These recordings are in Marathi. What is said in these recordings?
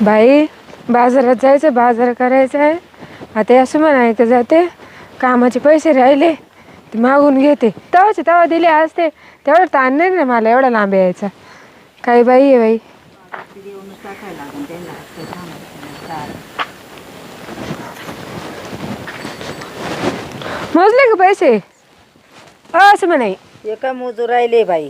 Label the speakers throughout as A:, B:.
A: बाई बाजारात जायचं, बाजार करायचा आहे. आता असं म्हणायचं जाते, कामाचे पैसे राहिले ते मागून घेते. तेव्हाचे तेव्हा दिले असते, तेवढं ताण नाही ना मला एवढा लांब यायचा. काही बाई आहे बाई. मोजले का पैसे? असं म्हणाय
B: एका मोजू राहिले बाई.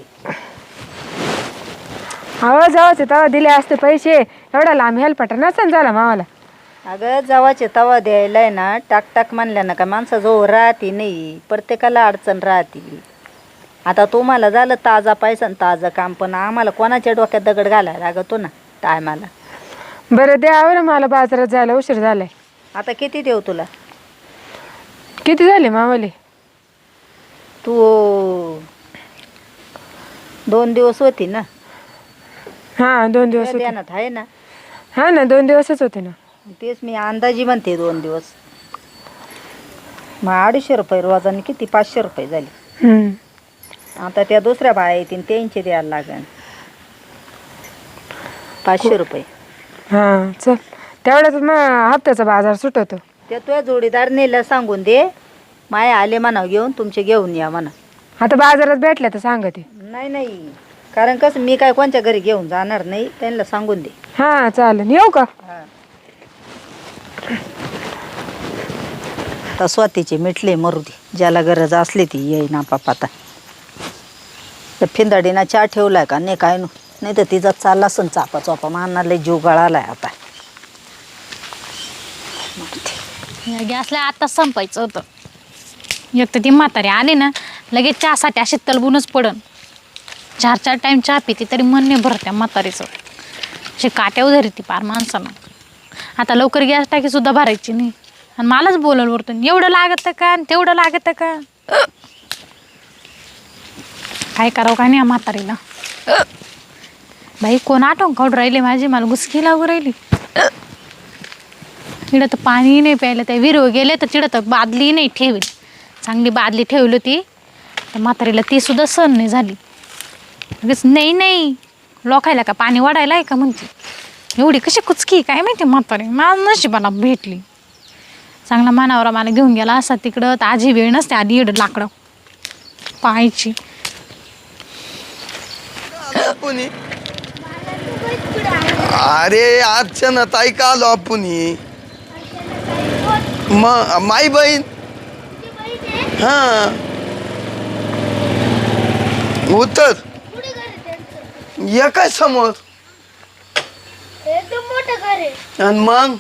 A: हवं जावाचे तेव्हा दिले असते पैसे, एवढा लांब हेल्पटा नसन झाला मावाला.
B: अगं जावाचे तवा द्यायलाय ना, टाक टाक म्हणल्या ना का माणसाजवळ राहते नाही, प्रत्येकाला अडचण राहते. आता तुम्हाला झालं ताजा पैसा ताजं काम, पण आम्हाला कोणाच्या डोक्यात दगड घालायला लागतो ना टायमाला.
A: बरं द्यावं मला, बाजारात जायला उशीर झालाय.
B: आता किती देऊ तुला?
A: किती झाले मावाले?
B: तू 2 दिवस होती ना?
A: हां 2 दिवस होते.
B: ध्यानात आहे ना?
A: हां ना 2 दिवसच होते ना.
B: तेच मी अंदाजी म्हणते 2 दिवस. मग 250 रुपये रोजाने किती 500 रुपये झाले. आता त्या दुसऱ्या बाया येतील त्यांचे द्यायला लागेल 500 रुपये.
A: हां चल, तेवढ्याच मग हप्त्याचा बाजार सुटवतो.
B: त्या तुझ्या जोडीदारनेला सांगून दे, माय आले म्हणा घेऊन, तुमचे घेऊन या म्हणा.
A: आता बाजारात भेटल्या तर सांगते.
B: नाही नाही, कारण कसं मी काय कोणच्या घरी घेऊन जाणार नाही, त्यांना सांगून दे.
A: हां चालेल, येऊ का?
B: तर स्वतःचे मिटले मरू दे, ज्याला गरज असली ती येई ना पापाता. तर फिंदाडीना चहा ठेवलाय का नाही काय नाही तर तिचा चालला असन चापा चोपा, मानाला जीव गळालाय आता.
C: गॅसला आत्ताच संपायचं होतं. एक तर ती म्हातारी आली ना, लगेच चहासाठी अशी तलबूनच पडन. 4-4 टाईम चहा पिते तरी मन नाही भरत त्या म्हातारीचं. अशी काट्यावर धरी ती पार माणसानं. आता लवकर गॅस टाकीसुद्धा भरायची नाही, आणि मलाच बोलल वरतून, एवढं लागतं का आणि तेवढं लागतं का. काय करावं काय नाही या म्हातारीला. बाई कोण आठवण काढून राहिले माझी, मला गुसकी लागू राहिली. इकडं तर पाणी नाही प्यायलं, त्या विहिरीवर गेले तर तिकडं तर बादली नाही ठेवली. चांगली बादली ठेवली होती, तर म्हातारीला ती सुद्धा सहन नाही झाली. लगेच नाही लोकायला का पाणी वाढायला आहे का म्हणते. एवढी कशी कुचकी काय माहिती म्हातारी, माझं नशिबाला भेटली. चांगला मानावरा मला घेऊन गेला असा तिकडं, तर आजी वेळ नसते आधी एवढं लाकडं पाहायची.
D: अरे अर्चना ताई का आलो आपण? माई बहीण. हा उत्तर या काय समोर
E: एकदम मोठं घर आहे.
D: आणि मग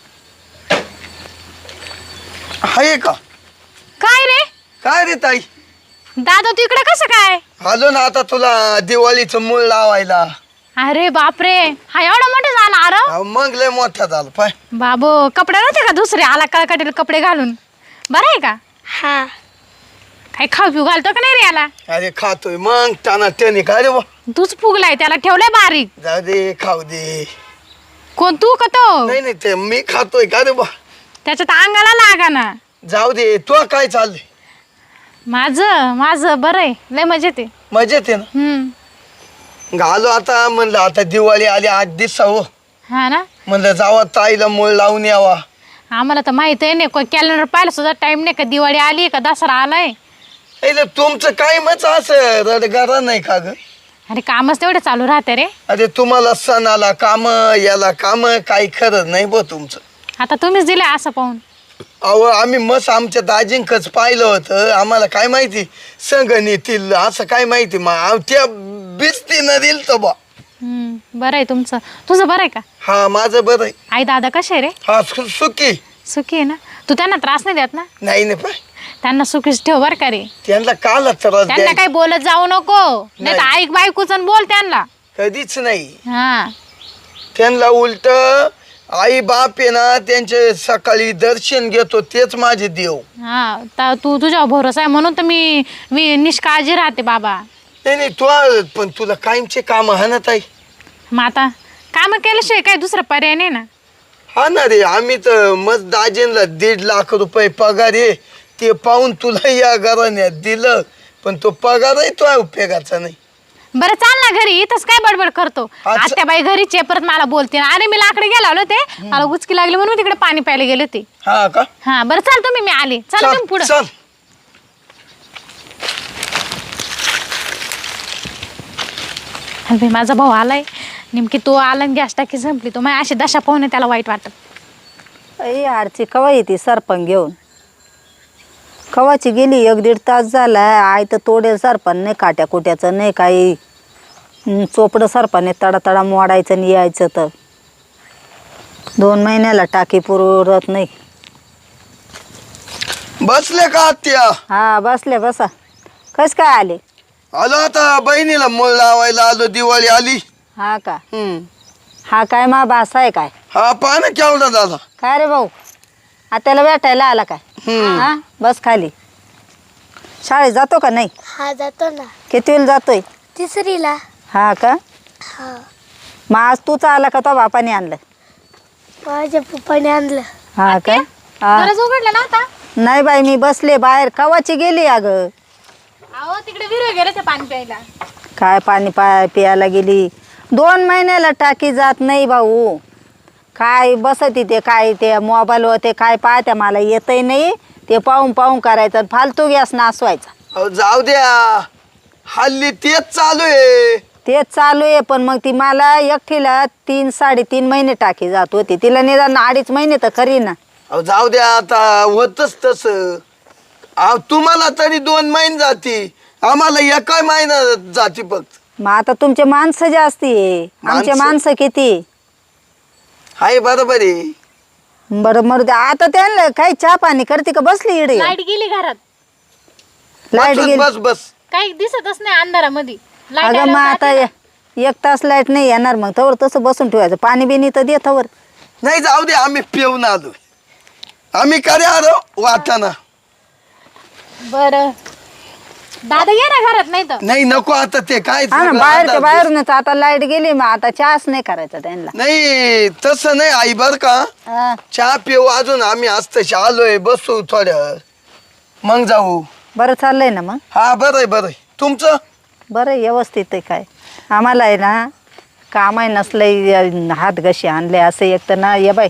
D: आहे का? काय रे ताई?
C: दादा तू इकडे कसं काय
D: आलो ना आता तुला दिवाळीचं मूळ लावायला.
C: अरे बापरे, हा एवढा मोठा झाला. अरे
D: अहो, मग लय मोठा झाला पाय.
C: बाबू कपडे नव्हते का दुसरे, आला कळकटीला कपडे घालून? बरं आहे का?
E: हा
C: काही खाऊ पिऊ घालतो का नाही रे याला?
D: अरे खातोय मग त्यानं त्याने काय रे बा.
C: तूच फुगलाय त्याला, ठेवलाय बारीक.
D: जाऊ दे खाऊ दे.
C: कोण तू का तो?
D: नाही ते मी खातोय का रे बा.
C: त्याच्यात अंगाला लागा ना.
D: जाऊ दे. तू काय चाललंय?
C: माझं बरं आहे, लय मजेत आहे.
D: मजेत आहे ना? घालो आता म्हणलं, आता दिवाळी आली 8 दिवस हो.
C: हा ना,
D: म्हणलं जावा ताईला मूळ लावून यावा.
C: आम्हाला तर माहित आहे नाही, कोण कॅलेंडर पाहिलं सुद्धा टाइम नाही का दिवाळी आली का दसरा आलाय.
D: तुमचं काय मच असं रडगारा नाही का ग?
C: अरे कामच तेवढे चालू राहते रे.
D: अरे तुम्हाला सणाला काम, याला काम, काही खरं नाही बो तुमचं.
C: आता तुम्हीच दिले असं पाहून.
D: अहो आम्ही मस्त आमच्या दाजींकच पाहिलं होतं, आम्हाला काय माहिती संगण येतील असं काय माहिती. मग त्या बिस्तीनं दिल तर बा.
C: बरं आहे तुमचं. तुझं बरं आहे का?
D: हा माझं बरं आहे.
C: आई दादा कसे आहे रे?
D: हा सुखी.
C: सुखी आहे ना? तू त्यांना त्रास नाही देत ना?
D: नाही नाही पाय,
C: त्यांना सुखीच ठेव बरं का रे.
D: त्यांना काल त्रास
C: त्यांना काही बोलत जाऊ नको, नाही तर ऐक बायकोच बोल त्यांना.
D: कधीच नाही.
C: हा
D: त्यांना उलट आई बाप आहे ना, त्यांचे सकाळी दर्शन घेतो तेच माझे देव.
C: हा तू तुझ्या भरोसा आहे म्हणून तर मी निष्काळजी राहते बाबा.
D: नाही तू पण तुला कायमचे काम हाणत आहे.
C: मग आता काम केल्याशिवाय काय दुसरा पर्याय नाही ना.
D: हा ना रे, आम्ही तर मस्त दाजींना 1.5 लाख रुपये पगार आहे, ते पाहून तुला या घराण्यात दिलं, पण तो पगारही तो उपयोगाचा नाही.
C: बरं चाल ना घरी, इथंच काय बडबड करतो.
D: अच्छा.
C: आत्या बाई घरीच आहे, परत मला बोलते. अरे मी लाकडे गेला होते, मला गुचकी लागली म्हणून मी तिकडे पाणी प्यायला गेले होते.
D: हा का?
C: हा बरं चाल तुम्ही, मी आले. चला तुम्ही पुढे.
D: चल
C: माझा भाऊ आलाय नेमकी, तो आला आणि गॅस टाकी संपली. तो माझी अशी दशा पाहून त्याला वाईट वाटत.
B: अई आरची कवा येते सरपण घेऊन? कवाची गेली, 1-1.5 तास झाला. आई तर तोडेल सरपण नाही, काट्या कुट्याचं नाही काही. चोपडं सरपण तडा तडा मोडायचं आणि यायचं तर 2 महिन्याला टाकी पुरत नाही.
D: बसले का आत्या?
B: हा बसले, बसा. कस काय आले?
D: आलो आता बहिणीला मूळ लावायला आलो, दिवाळी आली.
B: हा का? हा काय मा बासा आहे काय?
D: हा पहा ना केवढा झाला.
B: काय रे भाऊ, आत्याला भेटायला आला काय? हा बस खाली. शाळेत जातो का नाही?
E: हा जातो ना,
B: कितवीला जातोय?
E: 3रीला.
B: हा का?
E: हा
B: मग आज तूच आला का तो बापाने आणलं?
E: माझ्या पप्पाने आणलं.
B: हा का? हा.
C: गरज उघडला नव्हता.
B: नाही बाई, मी बसले बाहेर. कवाची गेली अगं?
C: अहो तिकडे विरू गेले ते पाणी प्यायला.
B: काय पाणी प्यायला गेली? 2 महिन्याला टाकी जात नाही भाऊ. काय बसती ते, काय ते मोबाईल होते काय पाहत्या, मला येतही नाही. ते पाहून पाहून करायचं, फालतू गॅस नासवायचा.
D: अहो, जाऊ द्या, हल्ली तेच चालू आहे.
B: तेच चालू आहे, पण मग ती मला एकटीला 3-3.5 महिने टाकी जात होती. तिला निदान 2.5 महिने तर खरी ना.
D: अहो जाऊ द्या, आता होतच तसं. अहो तुम्हाला तरी 2 महिने जाती, आम्हाला 1 महिना जाती फक्त.
B: मग आता तुमचे माणसं जास्ती आहे, आमचे माणसं किती?
D: हाय बरोबर आहे.
B: बरं मरू दे. आता त्यांना काही चहा पाणी करते का बसली इडे?
C: लाईट गेली घरात,
B: लाईट
D: बस
B: गेली.
D: बस बस.
C: काही दिसतच नाही अंधारामध्ये.
B: अगं मग आता 1 तास लाईट नाही येणार, मग तवर तसं बसून ठेवायचं. पाणी बिनी तर दे तवर.
D: नाही जाऊ दे, आम्ही पिऊन आलो. आम्ही करे आलो वाटाणा.
C: बरं दादा ये ना घरात, नाही तर
D: नाही नको आता ते काय
B: हा ना,
D: सगळं
B: बाहेरच्या
D: अंदाज.
B: बाहेरूनच आता लाईट गेली, मग आता चहाच नाही करायचा त्यांना.
D: नाही तसं नाही आई, बर का?
B: हा.
D: चहा पिऊ अजून, आम्ही आज तशी आलोय, बसू थोड्या वेळ, मग जाऊ.
B: बरं चाललंय ना मग?
D: हा बरं आहे बरं आहे. तुमचं?
B: बरं आहे, व्यवस्थित आहे. काय आम्हाला आहे ना, काम आहे नसलंय, हात घशी आणले असं. एक तर ना ये बाई,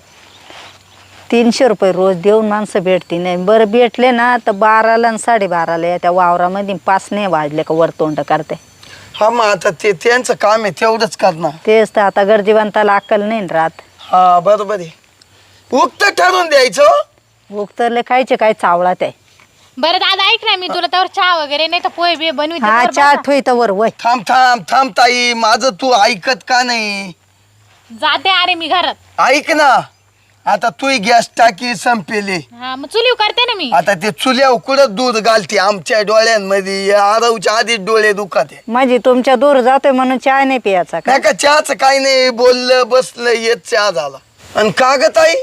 B: 300 रुपये रोज देऊन माणसं भेटती नाही. बरं भेटले ना तर 12ला आणि 12:30ला त्या वावरामध्ये 5 नाही वाजले का वरतोंड करते.
D: हा मग आता ते त्यांचं काम आहे, तेवढंच करणार.
B: तेच तर, आता गरजीवंताला अक्कल नाही ना राहत.
D: हा बरोबर आहे. उक्त ठरवून द्यायचं.
B: उगतरले खायचे काय चावळा ते.
C: बरं दादा ऐक ना, मी तुला त्यावर चहा वगैरे नाही तर पोहे बे बनविते.
B: हा
C: बरं
B: चहा
C: बसा.
B: ठोई तर वर वय.
D: थांब थांब थांब ताई, माझं तू ऐकत का नाही?
C: जाते अरे मी घरात.
D: ऐक ना, आता तू गॅस टाकी संपेली.
C: हा मग चुलीव करते ना मी.
D: आता ते चुल्यावर कुठं दूध घालते आमच्या डोळ्यांमध्ये, आरवच्या आधीच डोळे दुखत आहे.
B: म्हणजे तुमच्या दूर जातोय म्हणून चहा नाही प्यायचा का?
D: नाही का चहाचं काही नाही, बोललं बसलं येत चहा झाला. आणि का ग ताई?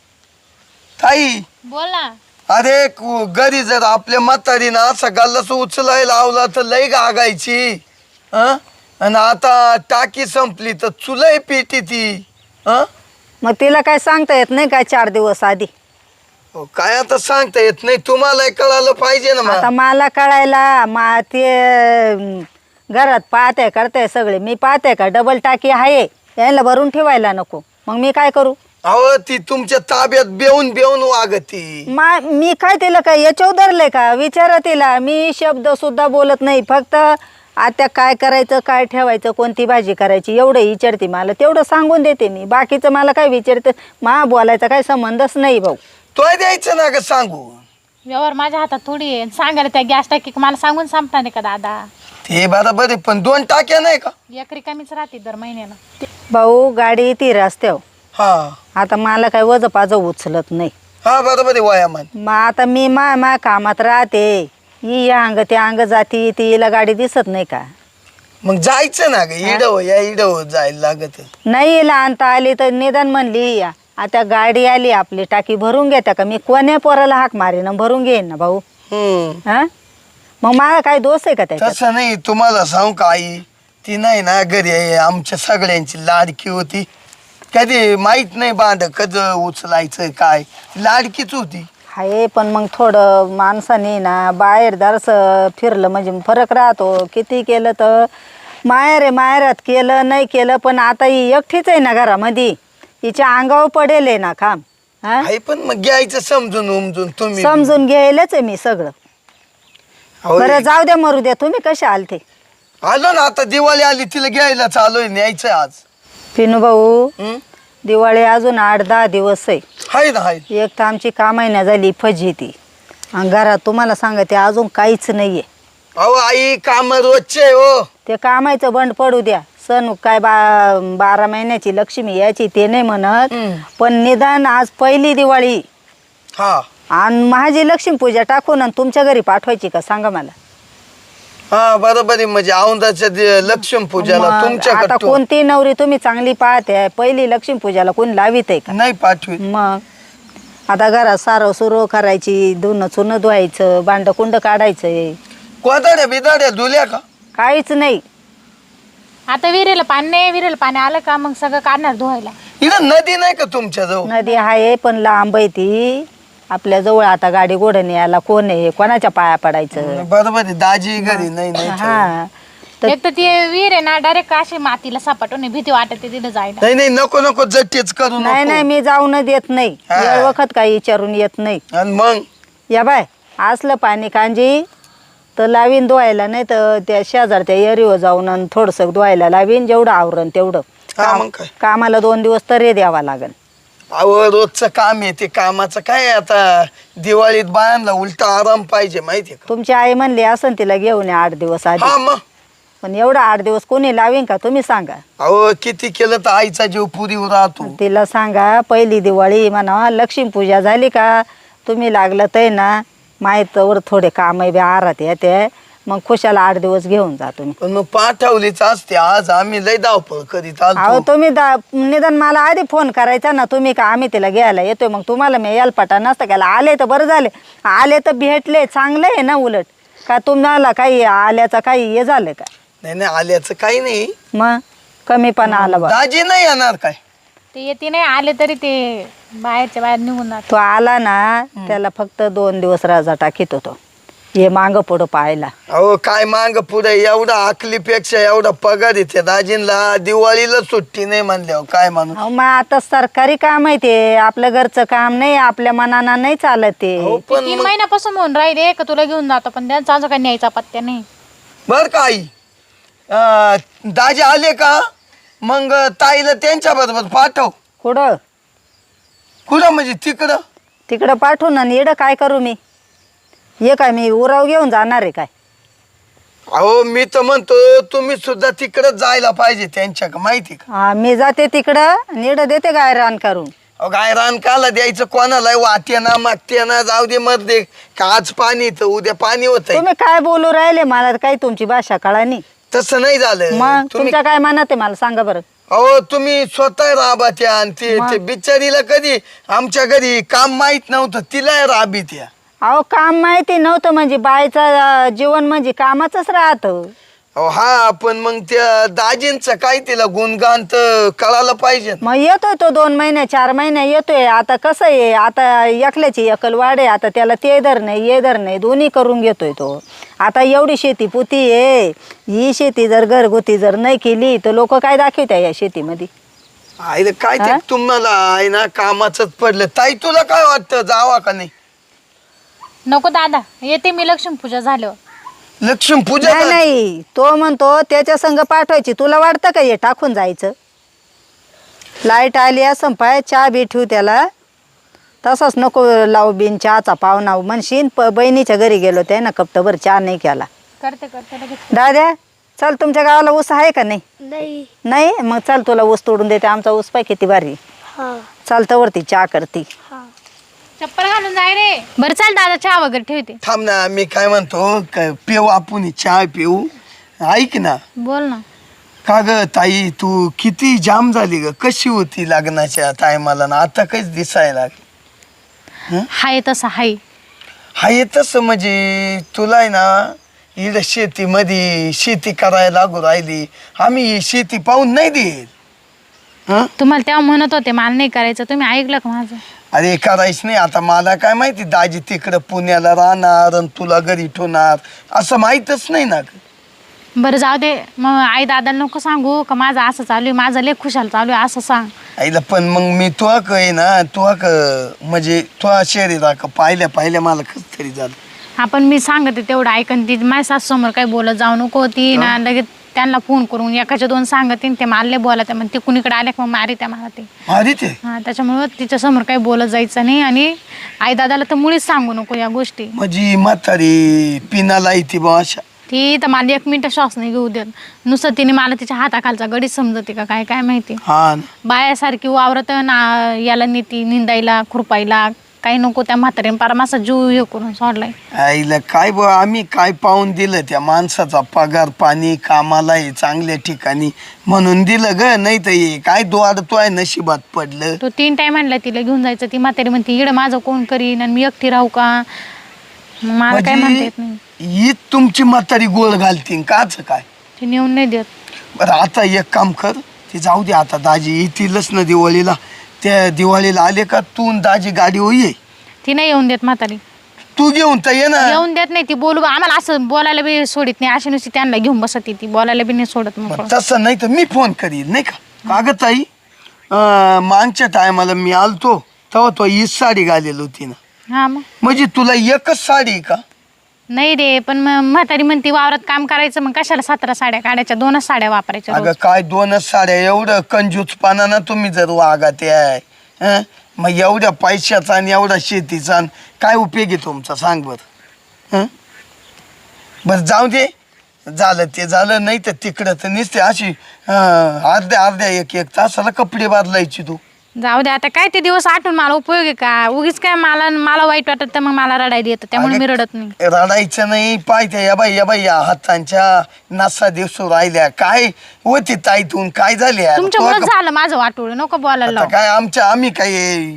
D: ताई
C: बोल ना.
D: अरे घरी जर आपल्या म्हातारीनं असा गल्लास उचलायला लावला तर लई गागायची. आणि आता टाकी संपली तर चुलय पेटी ती.
B: मग तिला काय सांगता येत नाही काय 4 दिवस आधी?
D: काय आता सांगता येत नाही, तुम्हाला कळालं पाहिजे ना.
B: आता मला कळायला ते घरात पाहते करते सगळे, मी पाहते का डबल टाकी आहे यायला भरून ठेवायला नको, मग मी काय करू?
D: अहो ती तुमच्या ताब्यात बेवून बेवून वागती.
B: मी काय तिला काय याच्यावर धरले का? विचारा तिला. मी शब्द सुद्धा बोलत नाही, फक्त आता काय करायचं, काय ठेवायचं, कोणती भाजी करायची एवढं विचारते मला. तेवढं सांगून देते मी, बाकीचं मला काय विचारते. बोलायचा काही संबंधच नाही भाऊ.
D: तोय द्यायचं ना ग सांगू.
C: व्यवहार माझ्या हातात थोडी आहे. सांगायला त्या गॅस टाकी मला सांगून संपणार नाही का दादा?
D: ते बरोबर आहे, पण 2 टाक्या नाही का?
C: एक रिकामीच राहते दर महिन्याला.
B: भाऊ गाडी येते रस्त्यावर,
D: हा
B: आता मला काय वज पाज उचलत नाही.
D: हा बरोबर आहे वयामान.
B: मग आता मी मा कामात राहते, ही या अंग त्या अंग जाती, तिला गाडी दिसत नाही का?
D: मग जायचं ना ग, इडव या इडव जायला लागत.
B: नाही आणता आली तर निदान म्हणली या, आता गाडी आली आपली टाकी भरून घेता का? मी कोण्या पोराला हाक मारेन भरून घेईन ना भाऊ. हा मग मला काय दोष आहे का त्याच्यात?
D: तसं नाही, तुम्हाला सांगू का आई, ती नाही ना घरी आहे, आमच्या सगळ्यांची लाडकी होती. कधी माहित नाही बांध कध उचलायचं काय, लाडकीच होती.
B: हाय पण मग थोडं माणसाने ना बाहेर दारस फिरलं म्हणजे फरक राहतो. किती केलं तर माहेर आहे, माहेरात केलं नाही केलं पण आता ही एकटीच आहे ना घरामध्ये, हिच्या अंगावर पडेल आहे ना काम. हा
D: आहे पण मग घ्यायचं समजून उमजून तुम्ही.
B: समजून घ्यायलाच आहे मी सगळं.
D: अहो,
B: बरं जाऊ द्या मरू द्या, तुम्ही कसे आलते?
D: आलो ना आता दिवाळी आली तिला घ्यायला चालूय न्यायचंय आज.
B: पिनू भाऊ
D: हं?
B: दिवाळी अजून 8-10 दिवस आहे.
D: हाय ना हाय.
B: एक तर आमची का महिना झाली फजिती आणि घरात तुम्हाला सांगते अजून काहीच नाहीये.
D: अहो आई काम रोजचे हो.
B: ते कामाचं बंड पडू द्या. सण काय 12 महिन्याची लक्ष्मी याची ते नाही म्हणत, पण निदान आज पहिली दिवाळी
D: हा
B: आणि माझी लक्ष्मी पूजा टाकून आणि तुमच्या घरी पाठवायची का सांगा मला.
D: हा बरोबर आहे. म्हणजे औंधाच्या लक्ष्मी पूजाला
B: मग आता
D: तुमच्याकडे
B: कोणती नवरी तुम्ही चांगली पाहते, पहिली लक्ष्मी पूजाला कोणी लावित आहे का?
D: नाही पाठवी.
B: मग आता घरात सारं सुरू करायची, धुणं चुणं धुवायचं, भांड कुंड काढायचंय,
D: कोदाड्या बिदाड्या धुल्या का?
B: काहीच नाही.
C: आता विहिरीला पाणी नाही, विहिरीला पाणी आलं का मग सगळं काढणार धुवायला.
D: इथं नदी नाही का तुमच्या जवळ?
B: नदी आहे पण लांब आहे ती. आपल्या जवळ आता गाडी घोडणी यायला कोण आहे, कोणाच्या पाया पडायचं.
D: बरोबर आहे. दाजी घरी नाही नाही तर.
B: हा तर
C: एक तर ती विहीर आहे ना डायरेक्ट अशी मातीला सपाटून भीती वाटते तिथे जायला.
D: नाही नाही नको नको जट्टीच करू
B: नाही नाही
D: नको.
B: मी जाऊन देत नाही,
D: हा.
B: वेळ वखत काही विचारून येत नाही.
D: आणि मग
B: या बाय असलं पाणी कांजी तर लावीन धुवायला, नाही तर त्या शेजारच्या एरीवर जाऊन आणि थोडंसं धुवायला लावीन, जेवढं आवरण तेवढं.
D: हा मग काय.
B: कामाला 2 दिवस तरी द्यावा लागेल.
D: अहो रोजचं काम आहे ते. कामाचं काय आता दिवाळीत बायांना उलटा आराम पाहिजे माहितीये का?
B: तुमची आई म्हणली असं तिला घेऊन या 8 दिवस आधी,
D: हा मग
B: पण एवढं 8 दिवस कोणी लावीन का तुम्ही सांगा.
D: अहो किती केलं तर आईचा जीव पुरीवर राहतो.
B: तिला सांगा पहिली दिवाळी म्हणा, लक्ष्मी पूजा झाली का तुम्ही लागलं तर ना माहीतवर थोडे काम बी आरात येते, मग खुशाला 8 दिवस घेऊन जा तुम्ही.
D: पण मग पाठवलीच असते. आज आम्ही लय धावपळ करीत
B: अहो
D: आलो.
B: तुम्ही निदान मला आधी फोन करायचा ना तुम्ही का आम्ही तिला घ्यायला येतोय, मग तुम्हाला मी यालपाटा नसतं केला. आले तर बरं झाले, आले तर भेटले, चांगलं आहे ना. उलट का तुम्हाला काही आल्याचं काही हे झालं का?
D: नाही नाही आल्याचं काही नाही.
B: मग कमीपणा आला बा.
D: दाजी नाही येणार काय?
C: ते येते नाही आले तरी ते बाहेरच्या बाहेर निघून जात.
B: तो आला ना त्याला फक्त 2 दिवस राजा टाकीत होतो, हे मांग पुढं पाहायला.
D: अहो काय मांग पुढे एवढा आकलीपेक्षा एवढा पगार येते दाजींला. दिवाळीला सुट्टी नाही म्हणल्यावर काय माणूस.
B: अहो मग आता सरकारी काम आहे ते, आपलं घरचं काम नाही, आपल्या मनानं नाही चालत ते.
D: अहो पण
C: 3 महिन्यापासून म्हणून राहिले का तुला घेऊन जातो, पण त्यांचा अजून काही न्यायचा पत्त्या नाही.
D: बर का आई, दाजी आले का मग ताईला त्यांच्या बरोबर पाठव.
B: कुठं?
D: कुठं म्हणजे तिकडं?
B: तिकडं पाठवून आणि येडं काय करू मी? ये काय मी उराव घेऊन जाणार आहे काय?
D: अहो मी तर म्हणतो तुम्ही सुद्धा तिकडं जायला पाहिजे त्यांच्या का माहिती का?
B: हा मी जाते तिकडं आणि येडं देते काय रान करून.
D: अहो काय रान काला द्यायचं कोणाला? वाटे ना मागते ना जाऊ दे मर दे. का आज पाणी तर उद्या पाणी होत.
B: तुम्ही काय बोलू राहिले, मला काही तुमची भाषा कळाली.
D: तसं नाही झालं.
B: मग
D: तुम्ही
B: तुमच्या काय मनात आहे मला सांगा बरं.
D: अहो तुम्ही स्वतः राबात्या आणि ते बिचारीला कधी आमच्या घरी काम माहित नव्हतं, तिला राबीत्या.
B: अहो काम माहिती नव्हतं म्हणजे बायचं जीवन म्हणजे कामाचंच राहतं.
D: अहो हा पण मग त्या दाजींचं काय तिला गुणगान तर कळायला पाहिजे.
B: मग येतोय तो 2 महिने 4 महिने येतोय. आता कसं आहे, आता एकल्याची एकल वाढे, आता त्याला ते दर नाही ये दर नाही दोन्ही करून घेतोय तो. आता एवढी शेती पुती आहे, ही शेती जर घरगुती जर नाही केली तर लोक काय दाखवत्या या शेतीमध्ये?
D: आईला काय ते तुम्हाला आहे ना कामाचंच पडलं. ताई तुला काय वाटतं जावा का नाही?
C: नको दादा, येते मी लक्ष्मी पूजा झाल्यावर.
D: लक्ष्मी पूजा
B: नाही नाही, तो म्हणतो त्याच्या संग पाठवायची. तुला वाटतं का हे टाकून जायचं? लाईट आली असं पाय चहा बी ठेवू त्याला, तसाच नको लावू बिन चहाचा पाहुणा म्हणशीन. बहिणीच्या घरी गेलो त्या ना कप्तभर चहा नाही केला.
C: करते लगेच.
B: दाद्या चल, तुमच्या गावाला ऊस आहे का नाही?
E: नाही.
B: नाही मग चल तुला ऊस तोडून देते. आमचा ऊस पाय किती भारी.
E: हा
B: चालतं वरती चहा करती.
E: हा.
C: चप्पल घालून जाय रे. बरं चाल दादा, चहा वगैरे ठेवते.
D: थांब ना. मी काय म्हणतो पिऊ आपण चहा पिऊ. ऐक ना.
C: बोल ना.
D: का ग ताई तू किती जाम झाली ग? कशी होती लग्नाच्या टायमाला ना आता काहीच दिसायला लागली?
C: हाय तसा हाय.
D: हाय तसं म्हणजे तुला आहे ना इकडं शेतीमध्ये शेती करायला लागू राहिली. आम्ही ही शेती पाहून नाही देईल.
C: तुम्हाला तेव्हा म्हणत होते मला नाही करायचं, तुम्ही ऐकलं का माझं?
D: अरे करायच नाही. आता मला काय माहिती दाजी तिकडं पुण्याला राहणार आणि तुला घरी ठेवणार असं माहीतच नाही ना.
C: बरं जाऊ दे, मग आई दादाला नको सांगू का माझं असं चालू आहे, माझं लय खुशाल चालू आहे असं सांग.
D: आईला पण मग मी तुला आहे ना तुला म्हणजे तुला शरीरा का पाहिल्या मला कस तरी झालं.
C: आपण मी सांगते तेवढं ऐकन ती माझ्या सासूसमोर काही बोलत जाऊ नको. ती ना लगेच त्यांना फोन करून एकाच्या दोन सांगते ते मारले बोला त्या ते कुणीकडे आले मग मारी त्या मला ते
D: मारी ते
C: हां त्याच्यामुळं तिच्यासमोर काही बोलत जायचं नाही. आणि आई दादाला तर मुळीच सांगू नको या गोष्टी.
D: म्हणजे म्हातारी पिनाला येते बा अशा.
C: ती तर मला 1 मिनिट श्वास नाही घेऊ देत. नुसतं तिने मला तिच्या हाताखालचा गडी समजते का काय काय माहिती.
D: हा ना.
C: बायासारखी वावरत ना याला नेती निंदायला खुरपायला काही नको. त्या म्हातारीने पार माझा जीव हे करून सोडलाय.
D: आईला काय बा आम्ही काय पाहून दिलं त्या माणसाचा पगार पाणी कामाला आहे चांगल्या ठिकाणी म्हणून दिलं ग. नाही तर हे काय द्वार नशिबात पडलं.
C: तो 3 टाइम आणला तिला घेऊन जायचं. ती म्हातारी म्हणते इकडे माझं कोण करीन आणि मी एकटी राहू का. मला काय म्हणता येत नाही.
D: ही तुमची म्हातारी गोळ घालतीन काच काय.
C: ती नेऊन नाही देत.
D: बरं आता एक काम कर ते जाऊ दे आता दाजी येतीलच ना दिवाळीला. त्या दिवाळीला आले का तू न दाजी गाडी होई
C: ती नाही येऊन देत म्हातारी.
D: तू घेऊन तर ये ना.
C: येऊन देत नाही ती. बोलू आम्हाला असं बोलायला बी सोडित नाही. अशी नुसती त्यांना घेऊन बसत ती बोलायला बी नाही सोडत. मग
D: मग तसं नाही तर मी फोन करील नाही का. कागद ताई मागच्या टायमाला मी आलतो तेव्हा तो हीच साडी घालेली होती ना.
C: हा मग
D: म्हणजे तुला एकच साडी का.
C: नाही रे पण मग म्हातारी म्हणती वावरात काम करायचं मग कशाला 17 साड्या काढायच्या. 2च साड्या वापरायच्या
D: अगं
C: रोज.
D: काय 2च साड्या एवढं कंजूसपणा ना तुम्ही जर वागाते आहे हं? मग एवढ्या पैशाचा आणि एवढा शेतीचा आणि काय उपयोग आहे तुमचा सांग बरं. हं? बरं जाऊ दे झालं ते झालं. नाही तर तिकडं तर नुसते अशी अर्ध्या एक तासाला कपडे बदलायची तू.
C: जाऊ दे आता काय ते दिवस आठवून मला उपयोग आहे का. उगीच काय मला वाईट वाटत तर मग मला रडायला येतं. त्यामुळे मी रडत नाही.
D: रडायचं नाही. पाहिजे या बाई या हातांच्या नसा दिवस राहिल्या काय होती ताईतून काय झाले
C: तुमच्यामुळेच झालं माझं वाटोळ. नको बोलायला लावू.
D: काय आम्ही काय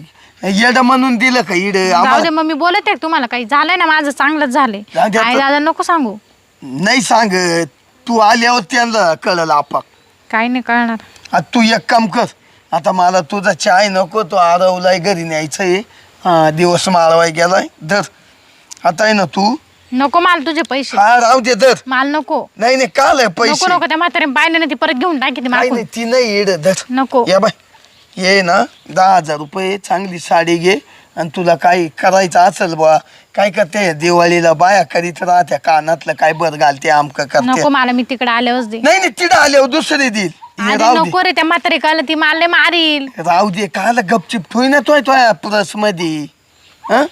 D: येड म्हणून दिलं का इड.
C: जाऊ दे मग मी बोलत आहे तुम्हाला काही झालंय ना माझं चांगलंच झालंय.
D: जाऊ दे आता.
C: आई दादा नको सांगू.
D: नाही सांग तू आल्यावर त्यांना कळलं आपाक.
C: काही नाही कळणार.
D: आता तू एक काम कर आता मला तुझा चाय नको. तो आरवलाय घरी न्यायचंय. दिवस माळवाय गेलाय धर. आता आहे ना तू
C: नको मला तुझे पैसे.
D: हा राहू दे धर.
C: मला नको
D: नाही नाही काल आहे
C: नको
D: पैसे.
C: नको. त्या म्हातारे पाहिलं ना ती परत घेऊन टाकी ती
D: नाही
C: मागून.
D: नाही ती नाही इड धर.
C: नको
D: या बाय ये ना 10,000 रुपये चांगली साडी घे. आणि तुला काही करायचं असेल बा काय करते दिवाळीला बाया करीत राहत्या कानातलं काय बरं घालते आमक करते.
C: नको मला मी तिकडे आल्यावरच दे.
D: नाही नाही तिथं आल्यावर दुसरी देईल. ये
C: आधी
D: राहू दे
C: नको रे त्या म्हातारे काल ती मारले मारील.
D: राहू दे काला गपचिप ठोय ना तोय प्लस मध्ये. हं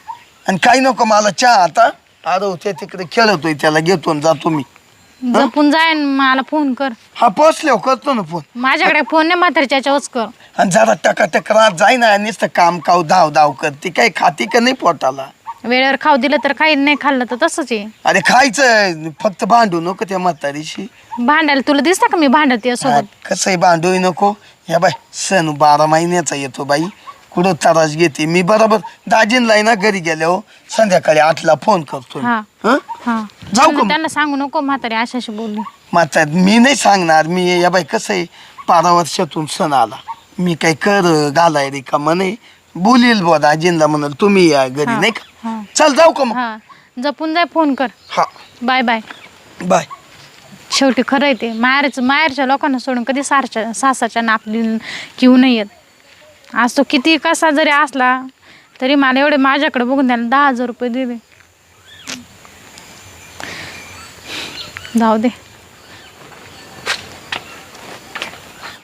D: आणि काही नको मला चहा आता आरव ते तिकडे खेळतोय त्याला घेतो आणि जातो मी.
C: जपून जाय आणि मला फोन कर.
D: हा पोचल्यावर करतो ना फोन.
C: माझ्याकडे फोन नाही म्हातारीच्या याच्यावरच कर.
D: आणि जरा टकाटक राहत जाय ना नुसतं काम काव धाव करते काय खाती का नाही पोटाला.
C: वेळेवर खाऊ दिलं तर काही नाही खाल्लं तर तसंच आहे.
D: अरे खायचं फक्त भांडू नको त्या म्हातारीशी.
C: भांडायला तुला दिसतं का मी भांडते सोबत.
D: कसंही भांडूही नको. या बाय सण 12 महिन्याचा येतो बाई कुठं त्रास घेते. मी बरोबर दाजींला ना घरी गेल्यावर संध्याकाळी 8ला फोन करतो.
C: हा
D: हं?
C: हा
D: जाऊ का मग?
C: त्यांना सांगू नको म्हातारी अशाशी बोलली.
D: माता मी नाही सांगणार. मी या बाई कसं आहे 12 वर्षातून सण आला. मी काही कर घालाय रे का म्हणे बोलील बुवा दाजींला म्हणाल तुम्ही या घरी
C: हा,
D: नाही का.
C: हा.
D: चल जाऊ का मग.
C: हा जपून जाय फोन कर.
D: हा
C: बाय बाय.
D: बाय.
C: शेवटी खरं आहे ते माहेरच्या लोकांना सोडून कधी सासाच्या नापली किंवा नाही येत. आज तो किती कसा जरी असला तरी मला एवढे माझ्याकडे बघून त्याला 10,000 रुपये दिले. जाऊ दे.